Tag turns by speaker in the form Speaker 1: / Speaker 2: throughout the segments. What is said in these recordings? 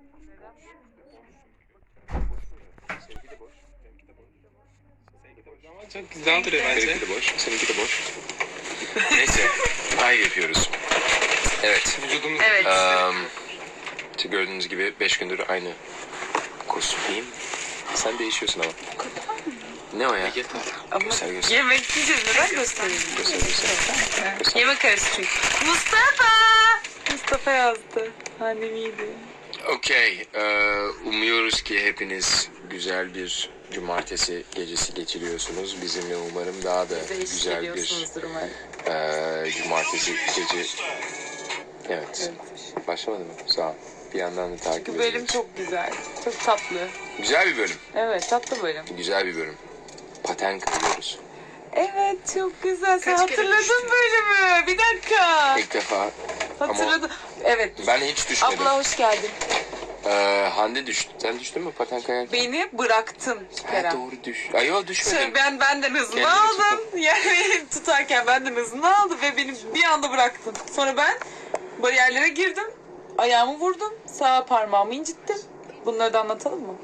Speaker 1: Seninki de boş. Benimki de boş. Seninki de boş.
Speaker 2: Ama çok güzel duruyor bence.
Speaker 1: Benimki de boş. Seninki de boş. Neyse. Ay yapıyoruz. Evet.
Speaker 2: Vücudumuz
Speaker 3: Evet.
Speaker 1: İşte gördüğünüz gibi 5 gündür aynı kostüm. Sen değişiyorsun ama. Ne o ya?
Speaker 3: Ama
Speaker 1: Göster, göster.
Speaker 3: yemek yiyeceğiz. Neden göstereyim?
Speaker 1: Göster, göster. Göster.
Speaker 3: Yemek arası çünkü. Mustafa! Mustafa yazdı. Annem iyiydi.
Speaker 1: Okey. Umuyoruz ki hepiniz güzel bir cumartesi gecesi geçiriyorsunuz. Bizimle umarım daha da güzel bir cumartesi gece. Evet. Başlamadı mı? Sağ ol. Bir yandan da takip
Speaker 3: Bu
Speaker 1: ediyoruz.
Speaker 3: bölüm çok güzel. Çok tatlı.
Speaker 1: Güzel bir bölüm.
Speaker 3: Evet, tatlı bölüm.
Speaker 1: Güzel bir bölüm. Paten kırıyoruz.
Speaker 3: Evet, çok güzel. Sen
Speaker 2: Kaç kere
Speaker 3: hatırladın
Speaker 2: düştün?
Speaker 3: bölümü. Bir dakika.
Speaker 1: İlk defa.
Speaker 3: Hatırladım. Evet.
Speaker 1: Ben hiç düşmedim.
Speaker 3: Abla hoş geldin.
Speaker 1: Hande düştü. Sen düştün mü paten kayarken?
Speaker 3: Beni bıraktın
Speaker 1: Ha,
Speaker 3: Kerem.
Speaker 1: doğru düş. Ay yok düşmedim.
Speaker 3: Ben benden hızını
Speaker 1: Kendini
Speaker 3: aldım. Yani tutarken benden hızını aldı ve beni bir anda bıraktın. Sonra ben bariyerlere girdim. Ayağımı vurdum. Sağ parmağımı incittim. Bunları da anlatalım mı?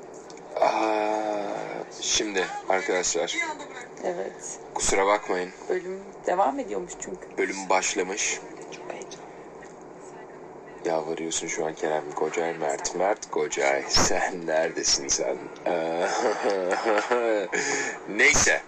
Speaker 1: Şimdi arkadaşlar
Speaker 3: Evet.
Speaker 1: kusura bakmayın.
Speaker 3: Bölüm devam ediyormuş çünkü.
Speaker 1: Bölüm başlamış.
Speaker 3: Çok heyecanlı.
Speaker 1: Yalvarıyorsun şu an Kerem Kocay, Mert Kocay. Sen neredesin sen? Neyse.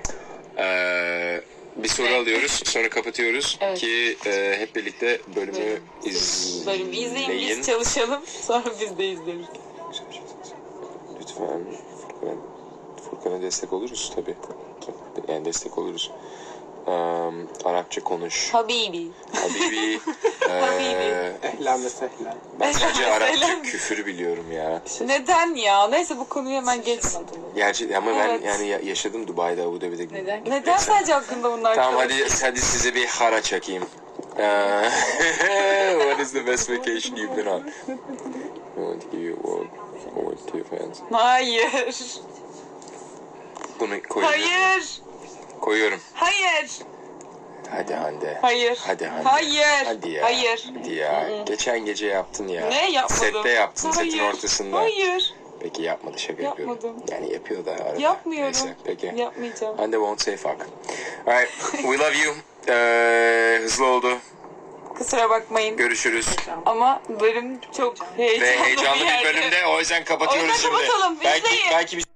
Speaker 1: Bir soru alıyoruz, sonra kapatıyoruz
Speaker 3: Evet.
Speaker 1: ki hep birlikte bölümü
Speaker 3: Bölümü izleyin,
Speaker 1: izleyin.
Speaker 3: biz çalışalım. Sonra biz de izleriz.
Speaker 1: Lütfen Furkan'a destek oluruz tabii. Yani destek oluruz. Arapça konuş.
Speaker 3: Habibi.
Speaker 1: Habibi.
Speaker 3: Habibi.
Speaker 2: Ehlen ve sehlen.
Speaker 1: Ben sadece
Speaker 3: Ehlen.
Speaker 1: Arapça küfür biliyorum ya.
Speaker 3: Neden ya? Neyse bu konuyu hemen geç.
Speaker 1: Gerçi ama ben
Speaker 3: Evet.
Speaker 1: yani yaşadım Dubai'de, Abu Dhabi'de.
Speaker 3: Neden sadece hakkında bunlar
Speaker 1: Tamam
Speaker 3: konuşuyorsun?
Speaker 1: hadi size bir hara çakayım. What is the best vacation you've been on? I want to give you a word to your fans.
Speaker 3: Hayır.
Speaker 1: Bunu koyuyorum.
Speaker 3: Hayır.
Speaker 1: Koyuyorum.
Speaker 3: Hayır.
Speaker 1: Hadi Hande.
Speaker 3: Hayır.
Speaker 1: Hadi Hande.
Speaker 3: Hayır.
Speaker 1: Hadi ya.
Speaker 3: Hayır.
Speaker 1: Hadi ya. Geçen gece yaptın ya.
Speaker 3: Ne yapmadım?
Speaker 1: Sette yaptın, setin
Speaker 3: Hayır.
Speaker 1: ortasında.
Speaker 3: Hayır.
Speaker 1: Peki yapmadı, şaka yapıyorum.
Speaker 3: Yapmadım.
Speaker 1: Yani yapıyor da arada.
Speaker 3: Yapmıyorum.
Speaker 1: Neyse peki.
Speaker 3: Yapmayacağım.
Speaker 1: Hande won't say fuck. Alright, we love you. Hızlı oldu.
Speaker 3: Kusura bakmayın.
Speaker 1: Görüşürüz.
Speaker 3: Ama bölüm çok heyecanlı
Speaker 1: Ve heyecanlı
Speaker 3: bir yerde.
Speaker 1: bir bölümde o yüzden kapatıyoruz
Speaker 3: O yüzden
Speaker 1: şimdi.
Speaker 3: kapatalım,
Speaker 1: Belki
Speaker 3: izleyin.
Speaker 1: bir